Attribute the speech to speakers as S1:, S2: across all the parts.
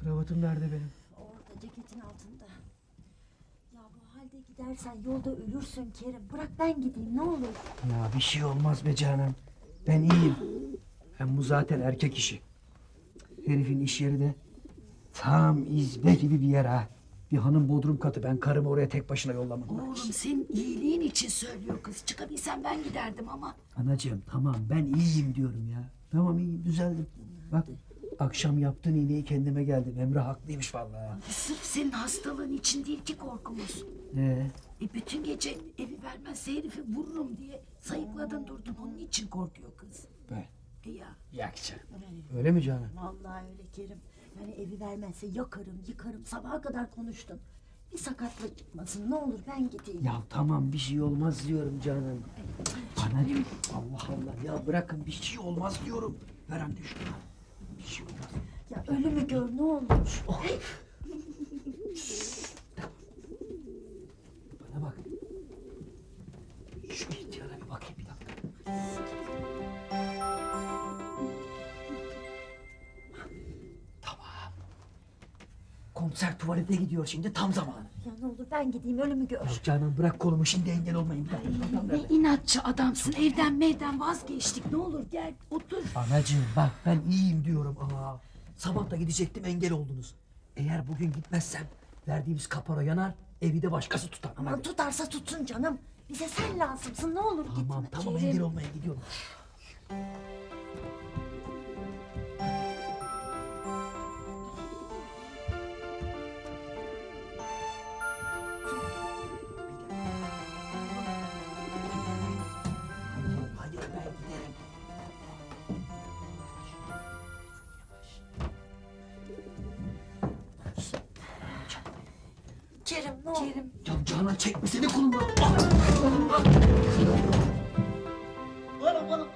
S1: Kravatım nerede benim?
S2: Orada ceketin altında. Ya bu halde gidersen yolda ölürsün Kerim. Bırak ben gideyim ne olur.
S1: Ya bir şey olmaz be canım. Ben iyiyim. Hem bu zaten erkek işi. Herifin iş yeri de tam izbe gibi bir yer ha. Bir hanım bodrum katı. Ben karımı oraya tek başına yollamam.
S3: Oğlum senin iyiliğin için söylüyor kız. Çıkabilsem ben giderdim ama.
S1: Anacığım tamam ben iyiyim diyorum ya. Tamam iyiyim düzeldim. Bak akşam yaptığın iğneyi kendime geldim. Emre haklıymış vallahi.
S3: Sırf senin hastalığın için değil ki korkumuz. Bütün gece evi vermezse herifi vururum diye sayıkladın durdun. Onun için korkuyor kız.
S1: Ben.
S3: Ya.
S1: Yak canım. Öyle mi canım?
S2: Vallahi öyle Kerim. Yani evi vermezse yakarım yıkarım sabaha kadar konuştum. Bir sakatlık çıkmasın ne olur ben gideyim.
S1: Ya tamam bir şey olmaz diyorum canım. Anacığım Allah Allah ya bırakın bir şey olmaz diyorum. Ver anne şunu. Bir şey olmaz.
S2: Ya ölümü gör ne olur.
S1: Oh. Bana bak. Şu ihtiyara bir bakayım bir dakika. Tamam. Komiser tuvalete gidiyor şimdi tam zamanı.
S2: Ya ne olur ben gideyim ölümü gör.
S1: Ya canım bırak kolumu şimdi engel olmayın bir dakika.
S3: Ne inatçı adamsın. Evden vazgeçtik. Ne olur gel otur.
S1: Anacığım bak ben iyiyim diyorum. Sabah da gidecektim engel oldunuz. Eğer bugün gitmezsem verdiğimiz kapora yanar evi de başkası tutar.
S2: Aman tutarsa tutsun canım. Bize sen lazımsın ne olur
S1: Tamam
S2: gitme.
S1: tamam
S3: Kerim.
S1: engel olmaya gidiyorum. Hadi ben giderim.
S2: Kerim ne olur.
S3: Kerim.
S1: Ya Canan çekmesene kolunu. Bana.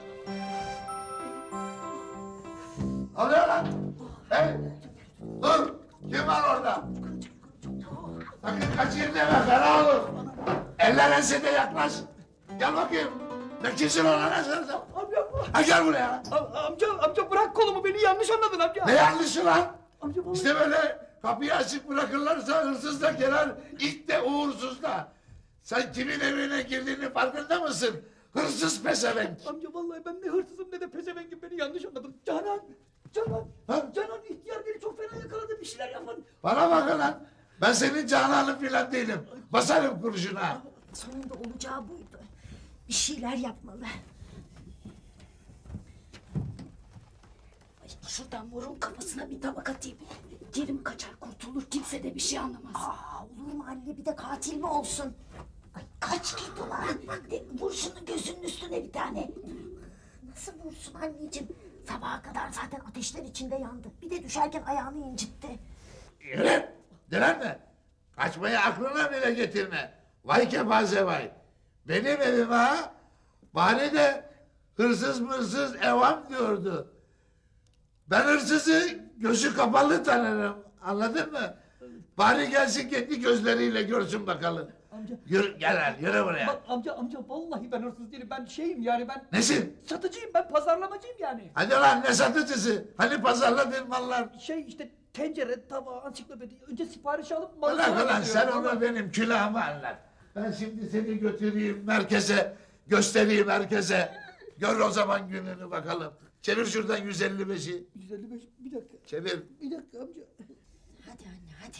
S4: Alıyor lan! Hey! Dur! Kim var orada? Sakın kaçayım deme, fena olur. Eller ensede yaklaş. Gel bakayım. Ne kimsin ona ne sen? Ha gel buraya.
S1: Amca bırak kolumu beni yanlış anladın amca.
S4: Ne yanlışı lan?
S1: Amca vallahi-
S4: İşte böyle kapıyı açık bırakırlarsa hırsız da gelir, it de uğursuz da. Sen kimin evine girdiğini farkında mısın? Hırsız pezevenk.
S1: Amca vallahi ben ne hırsızım ne de pezevengim beni yanlış anladın. Canan.
S4: Ha?
S1: Canan ihtiyar beni çok fena yakaladı bir şeyler yapın.
S4: Bana bakın lan. Ben senin cananın filan değilim. Basarım kurşuna.
S2: Sonunda olacağı buydu. Bir şeyler yapmalı.
S3: Ay, şuradan morun kafasına bir tabak atayım. Kerim kaçar kurtulur. Kimse de bir şey anlamaz.
S2: Olur mu anne bir de katil mi olsun?
S3: Ay, kaç git ulan. Vur şunu gözünün üstüne bir tane.
S2: Nasıl vursun anneciğim? Sabaha kadar zaten ateşler içinde yandı. Bir de düşerken ayağını incitti.
S4: Yürü! Direnme! Kaçmayı aklına bile getirme. Vay kepaze vay. Benim evime ha? Bari de hırsız mırsız evam diyordu. Ben hırsızı gözü kapalı tanırım. Anladın mı? Bari gelsin kendi gözleriyle görsün bakalım.
S1: Amca.
S4: Yürü gel lan yürü buraya.
S1: Bak amca vallahi ben hırsız değilim. Ben şeyim yani ben
S4: Nesin?
S1: satıcıyım ben pazarlamacıyım yani.
S4: Hadi lan ne satıcısı? Hani pazarladığın mallar?
S1: Şey işte tencere, tava, ansiklopedi. Önce sipariş alıp malı
S4: Ulan
S1: sonra
S4: ulan sen
S1: getiriyorum.
S4: onu benim külahıma anlat. Ben şimdi seni götüreyim merkeze, göstereyim herkese. Gör o zaman gününü bakalım. Çevir şuradan 155'i.
S1: 155 bir dakika.
S4: Çevir.
S1: Bir dakika amca.
S2: Hadi anne hadi.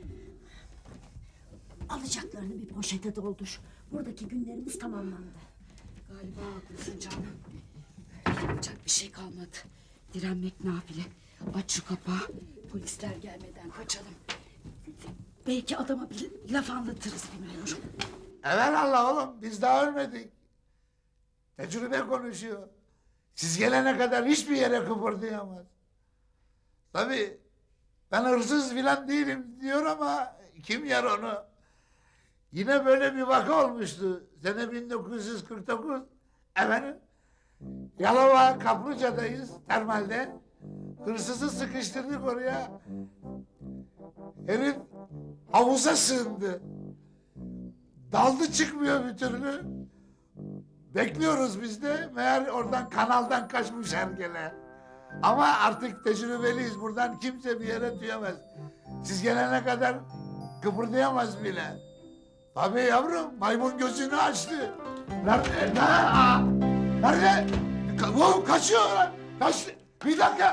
S2: Alacaklarını bir poşete doldur. Buradaki günlerimiz tamamlandı.
S3: Galiba haklısın canım. Yapacak bir şey kalmadı. Direnmek nafile. Aç şu kapağı. Polisler gelmeden kaçalım. Belki adama bir laf anlatırız bilmiyorum.
S4: Evelallah oğlum biz daha ölmedik. Tecrübe konuşuyor. Siz gelene kadar hiçbir yere kıpırdayamaz. Tabii ben hırsız filan değilim diyor ama kim yer onu? Yine böyle bir vaka olmuştu. Sene 1949. Efendim? Yalova Kaplıca'dayız termalde. Hırsızı sıkıştırdık oraya. Herif havuza sığındı. Daldı çıkmıyor bir türlü. Bekliyoruz biz de. Meğer oradan kanaldan kaçmış hergele. Ama artık tecrübeliyiz. Buradan kimse bir yere tüyemez. Siz gelene kadar kıpırdayamaz bile. Tabii yavrum, maymun gözünü açtı. Nerede? Nerede? Kaçıyor lan. Kaçtı. Bir dakika.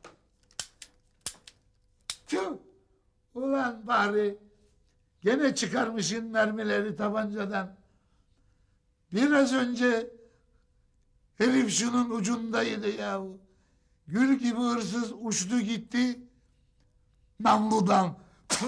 S4: Tüh. Ulan bari. Gene çıkarmışsın mermileri tabancadan. Biraz önce herif şunun ucundaydı yahu. Gül gibi hırsız uçtu gitti. Namludan.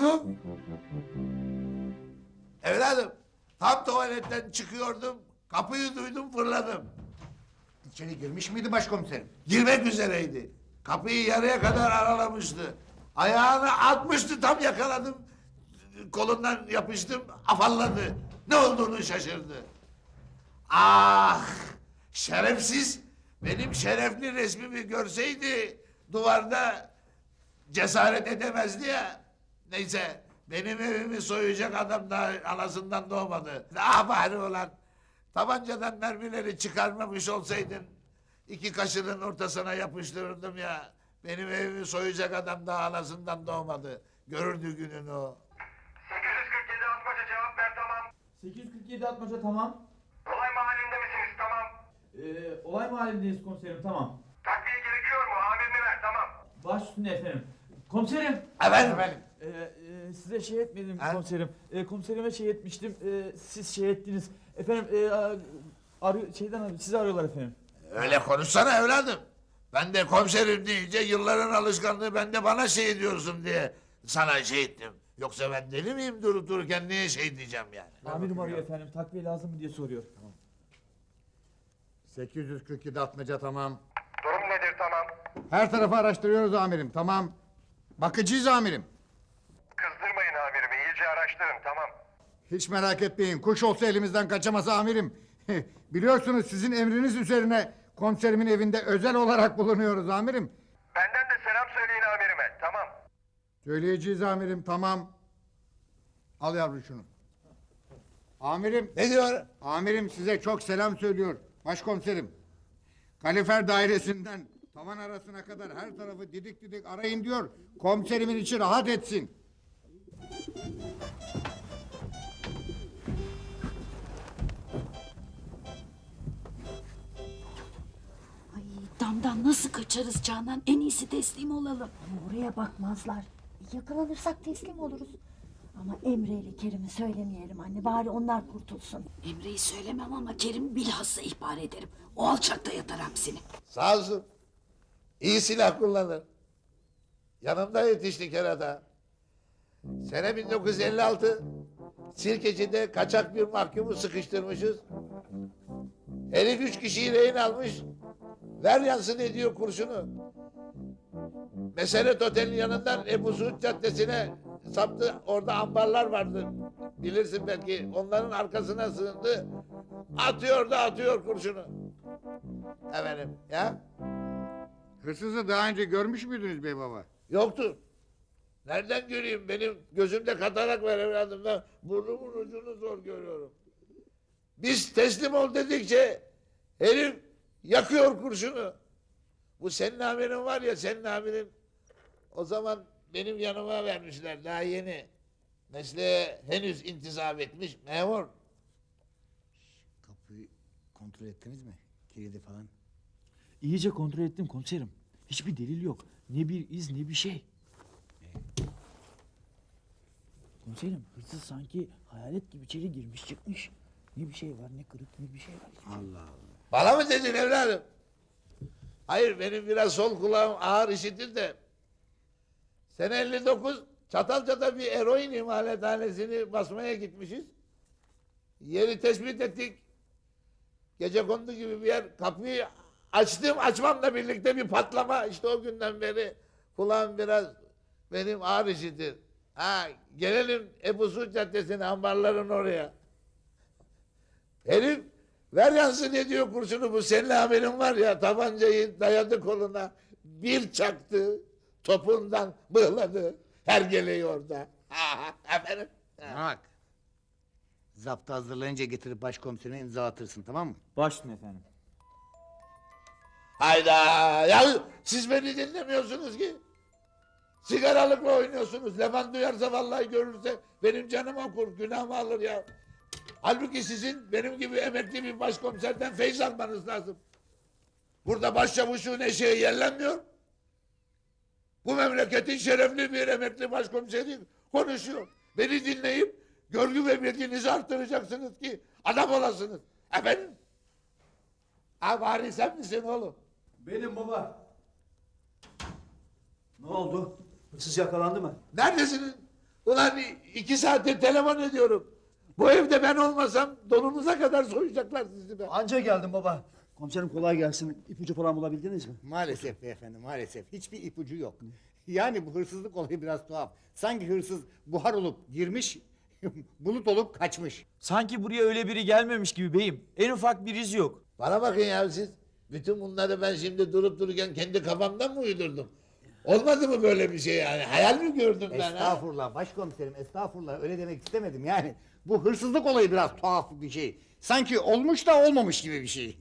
S4: Evladım, tam tuvaletten çıkıyordum. Kapıyı duydum, fırladım.
S5: İçeri girmiş miydi başkomiserim?
S4: Girmek üzereydi. Kapıyı yarıya kadar aralamıştı. Ayağını atmıştı, tam yakaladım. Kolundan yapıştım, afalladı. Ne olduğunu şaşırdı. Ah! Şerefsiz! Benim şerefli resmimi görseydi duvarda cesaret edemezdi ya. Neyse, benim evimi soyacak adam daha anasından doğmadı. Ah bari ulan! Tabancadan mermileri çıkarmamış olsaydın iki kaşının ortasına yapıştırırdım ya. Benim evimi soyacak adam daha anasından doğmadı. Görürdü gününü o.
S6: 847 Atmaca cevap ver tamam.
S7: 847 Atmaca tamam.
S6: Olay mahallinde misiniz tamam.
S7: Olay mahallindeyiz komiserim tamam.
S6: Takviye gerekiyor mu? Amirini ver tamam.
S7: Baş üstüne efendim. Komiserim.
S4: Efendim?
S7: Size şey etmedim
S4: Ha?
S7: komiserim. Komiserime şey etmiştim. Siz şey ettiniz. Efendim sizi arıyorlar efendim.
S4: Öyle konuşsana evladım. Ben de komiserim deyince yılların alışkanlığı ben de bana şey ediyorsun diye sana şey ettim. Yoksa ben deli miyim durup dururken niye şey diyeceğim yani?
S7: Amirim arıyor efendim. Takviye lazım mı diye soruyor.
S5: 847 Atmaca tamam.
S6: Durum nedir tamam.
S5: Her tarafı araştırıyoruz amirim tamam. Bakıcıyız amirim.
S6: Kızdırmayın amirimi iyice araştırın tamam.
S5: Hiç merak etmeyin. Kuş olsa elimizden kaçamaz amirim. Biliyorsunuz sizin emriniz üzerine komiserimin evinde özel olarak bulunuyoruz amirim.
S6: Benden de selam söyleyin amirime tamam.
S5: Söyleyeceğiz amirim tamam. Al yavrum şunu. Amirim,
S4: Ne diyor?
S5: amirim size çok selam söylüyor. Başkomiserim. Kalifer dairesinden tavan arasına kadar her tarafı didik didik arayın diyor. Komiserimin içi rahat etsin.
S3: Ay damdan nasıl kaçarız Canan? En iyisi teslim olalım.
S2: Ama oraya bakmazlar. Yakalanırsak teslim oluruz. Ama Emre ile Kerim'i söylemeyelim anne. Bari onlar kurtulsun.
S3: Emre'yi söylemem ama Kerim bilhassa ihbar ederim. O alçakta yatar hapsini.
S4: Sağ olsun. İyi silah kullanır. Yanımda yetişti kerata. Sene 1956 Sirkeci'de kaçak bir mahkumu sıkıştırmışız. Herif 3 kişiyi rehin almış. Ver yansın ediyor kurşunu. Mesenet Otel'in yanından Ebu Suud Caddesi'ne saptı. Orada ambarlar vardı. Bilirsin belki. Onların arkasına sığındı. Atıyor da atıyor kurşunu. Efendim ya?
S5: Hırsızı daha önce görmüş müydünüz bey baba?
S4: Yoktur. Nereden göreyim? Benim gözümde katarak var evladım. Ben burnumun ucunu zor görüyorum. Biz teslim ol dedikçe herif yakıyor kurşunu. Bu senin amirin var ya, senin amirin o zaman benim yanıma vermişler daha yeni. Mesleğe henüz intisap etmiş memur.
S5: Kapıyı kontrol ettiniz mi? Kilidi falan.
S7: İyice kontrol ettim komiserim. Hiçbir delil yok. Ne bir iz ne bir şey. Komiserim hırsız sanki hayalet gibi içeri girmiş çıkmış. Ne bir şey var ne kırık ne bir şey var.
S5: Allah Allah.
S4: Bana mı dedin evladım? Hayır, benim biraz sol kulağım ağır işitir de. Sene 59 Çatalca'da bir eroin imalathanesini basmaya gitmişiz. Yeri tespit ettik. Gecekondu gibi bir yer. Kapıyı açtım, açmamla birlikte bir patlama. İşte o günden beri kulağım biraz benim ağır işitir. Ha, gelelim Ebu Suud Caddesi'ne, ambarların oraya. Herif ver yansın ediyor kurşunu, bu senin haberin var ya, tabancayı dayadı koluna, bir çaktı, topundan bığladı, hergeleyi orada. Efendim?
S5: Bak. Zaptı hazırlayınca getirip başkomiserine imza atırsın tamam mı?
S7: Baş üstüne efendim.
S4: Hayda! Ya siz beni dinlemiyorsunuz ki. Sigaralıkla oynuyorsunuz. Leman duyarsa vallahi görürse benim canım okur, günahımı alır ya. Halbuki sizin benim gibi emekli bir başkomiserden feyz almanız lazım. Burada başçavuşun eşeği yerlenmiyor. Bu memleketin şerefli bir emekli başkomiseri konuşuyor. Beni dinleyip görgü ve bilginizi arttıracaksınız ki adam olasınız. Efendim? Ha bari sen misin oğlum?
S8: Benim baba. Ne oldu? Hırsız yakalandı mı?
S4: Neredesiniz? Ulan 2 saattir telefon ediyorum. Bu evde ben olmasam donunuza kadar soyacaklar sizi be.
S8: Anca geldim baba. Komiserim kolay gelsin. İpucu falan bulabildiniz mi?
S5: Maalesef beyefendi, maalesef. Hiçbir ipucu yok. Yani bu hırsızlık olayı biraz tuhaf. Sanki hırsız buhar olup girmiş, bulut olup kaçmış.
S7: Sanki buraya öyle biri gelmemiş gibi beyim. En ufak bir iz yok.
S4: Bana bakın ya siz. Bütün bunları ben şimdi durup dururken kendi kafamdan mı uydurdum? Olmadı mı böyle bir şey yani? Hayal mi gördüm ben ha?
S5: Estağfurullah başkomiserim, estağfurullah. Öyle demek istemedim yani. Bu hırsızlık olayı biraz tuhaf bir şey. Sanki olmuş da olmamış gibi bir şey.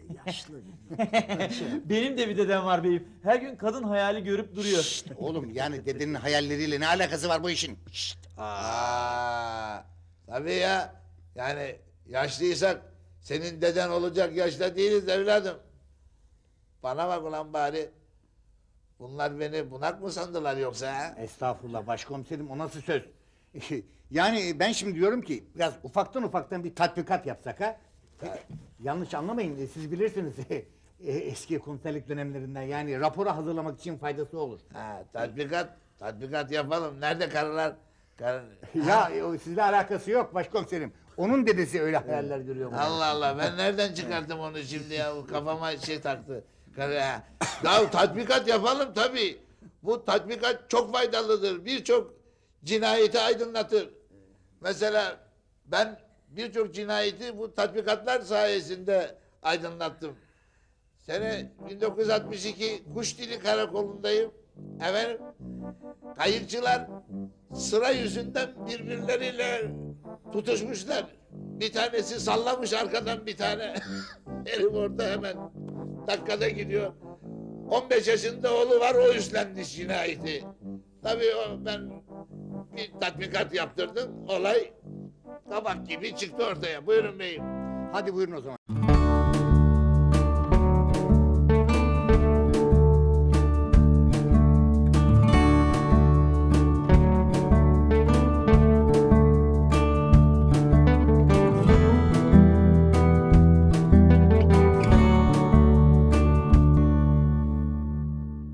S7: Benim de bir dedem var beyim. Her gün kadın hayali görüp duruyor.
S5: Oğlum yani dedenin hayalleriyle ne alakası var bu işin?
S4: Aa, tabii ya. Yani yaşlıysak senin deden olacak yaşta değiliz evladım. Bana bak ulan bari. Bunlar beni bunak mı sandılar yoksa ha?
S5: Estağfurullah başkomiserim, o nasıl söz? Yani ben şimdi diyorum ki biraz ufaktan bir tatbikat yapsak ha? Yanlış anlamayın, siz bilirsiniz eski komiserlik dönemlerinden, yani raporu hazırlamak için faydası olur.
S4: Ha, tatbikat yapalım. Nerede karılar?
S5: Ya o sizle alakası yok başkomiserim. Onun dedesi öyle hayaller görüyor.
S4: Allah Allah, ben nereden çıkarttım onu şimdi ya? Bu kafama şey taktı. Ya tatbikat yapalım tabii. Bu tatbikat çok faydalıdır. Birçok cinayeti aydınlatır. Mesela ben birçok cinayeti bu tatbikatlar sayesinde aydınlattım. Sene 1962 Kuşdili Karakolu'ndayım. Efendim, kayıkçılar sıra yüzünden birbirleriyle tutuşmuşlar. Bir tanesi sallamış arkadan bir tane. Herif orada hemen dakikada gidiyor. 15 yaşında oğlu var, o üstlendi cinayeti. Tabii ben bir tatbikat yaptırdım. Olay kabak gibi çıktı ortaya. Buyurun beyim.
S5: Hadi buyurun o zaman.